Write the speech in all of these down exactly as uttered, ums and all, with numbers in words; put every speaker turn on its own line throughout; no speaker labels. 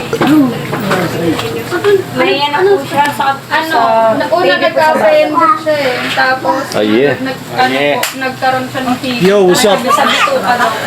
May yan po siya sa
Ano, una nagka-friended siya eh. Tapos,
Aye.
nag, ano po, nagkaroon siya ng fever.
Yo, what's up?
Sabi sa bituka daw.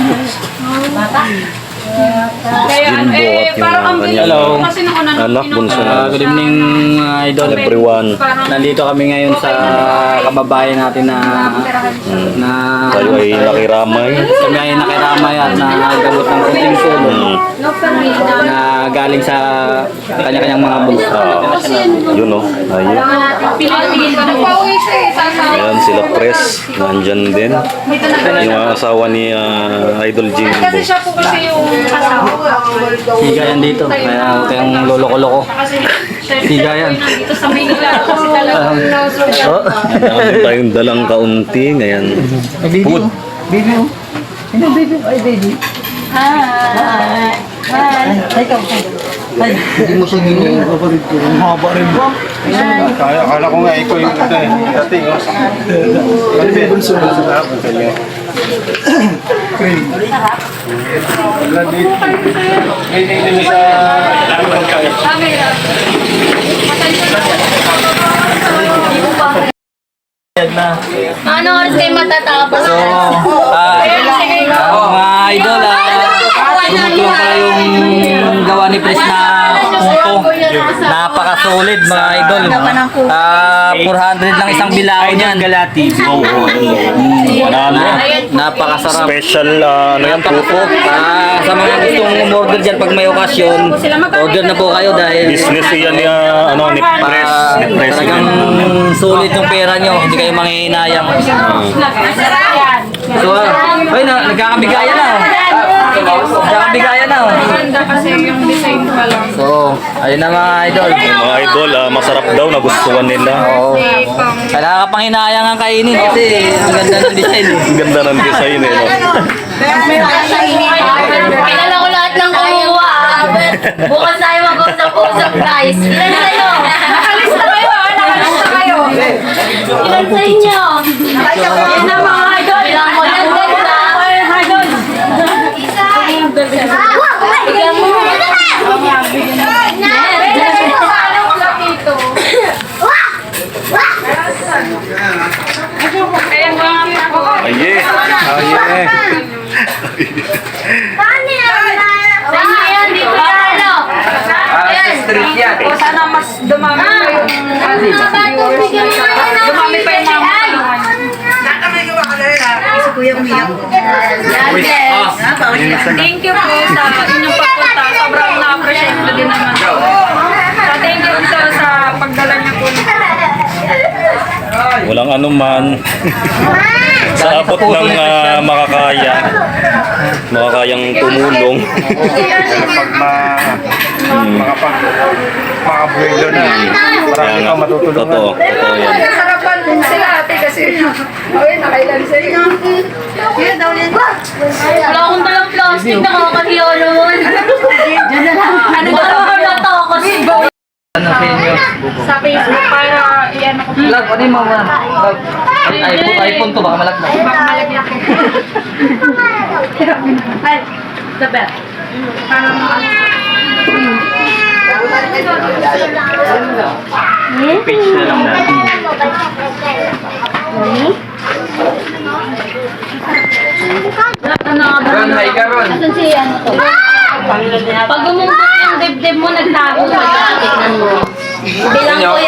Kaya,
Jimbo
eh,
at yung
parang ang
kanyang
bilis kasi nung una nung
anak,
inom
bunso
ko
na.
lang
Good
siya.
evening mga idol.
Everyone.
Parang,
Nandito kami ngayon sa kababayan natin na na
Tayo ay nakiramay.
kami ay nakiramay at nagagot ng kunting tulong
Hmm.
na galing sa kanya-kanyang mga bunso.
Ah, yun o. Ayan.
pinag-pigil ko. Nagpauwi siya eh. Sasawa.
Ayan sila Pres. Nandyan din. Yung asawa ni ah, Idol Jimbo.
Kasi siya po kasi yung asawa.
Siga yan dito. Kaya huwag kayong lolo-lolo ko.
Kasi siya
Siga yan.
po yung nandito sa Manila. Kasi talagang nausugan.
Oh, meron tayong dalang kaunti. Ngayon. Food.
Baby oh. Ano baby? Ay baby.
Hi. Hi.
Ay, hindi mo siya gini yung kapatid ko. Ang haba rin ba?
Kaya, akala ko nga ikaw yung ito eh. Dating, oh. Ano ba yung sunod sa lahat? Ang kanya. May nilili sa...
Camera.
Na.
Ano oras kayo matatapos?
So, ah, ah, mga idol, ah, tumutulong pala yung gawa ni Pres na punto. Napaka-solid mga idol. Ah, four hundred lang isang bilao niyan. Galati.
Oo. Marami.
Napakasarap.
Special ah, ano yan, puto.
Ah, sa mga gustong umorder dyan pag may okasyon, order na po kayo dahil
Business yan ni ah, ano, ni Pres.
ah,
Ni Pres.
talagang solid yung pera nyo. Hindi kayo manghihinayang. So, ah, ay, na, nagkakabigayan na. oh. Nagkakabigayan na. oh.
Maganda kasi yung design pa lang.
So, ayun na mga idol.
Yung mga idol, ah, masarap daw, nagustuhan nila.
Oo.
Kasi pang...
Kailangan ka pang hinayang ang kainin kasi ang ganda ng design eh.
Ang ganda ng design eh. No?
Kilala ko lahat ng kumuha. Bukas tayo mag-usap-usap, guys. Ilan sa'yo?
Nakalista kayo ah! Nakalista kayo!
Ilan sa inyo?
Yan na mga idol!
Bilang mo lang ganda.
Idol!
Bigyan mo.
Anong laki ito? Kaya mga
Aye. Aye.
Sa inyo yan, dito yan, ano? Ayan.
O sana mas dumami pa yung dumami pa yung mga Thank you po sa inyong pagpunta. Sobrang na-appreciate ko din naman. So, thank you po sa pagdala niyo po.
Walang anuman. Sa abot ng ah, makakaya. Makakayang tumulong.
Pag ma... Makapag... Makabuelo na. Marami
Kaya nga,
kang matutulungan.
totoo. Totoo yan.
Nasarapan din sila ate kasi okay, nakailan sa inyo.
Wala akong dalang plastic, nakakahiya naman. Diyan na lang. Ano ba naman nato ako?
Ano sa inyo?
Sa Facebook para iyan ako.
Lag, ano yung mga lag? iPhone, iPhone to, baka malaglag.
Baka malagyan ko. Ay, the best. Para maano.
Page na lang natin. Ron, hi ka Ron.
Asan si ano to? Pag gumumpot yung dibdib mo, nagtago ka. Tignan mo. Bilang ko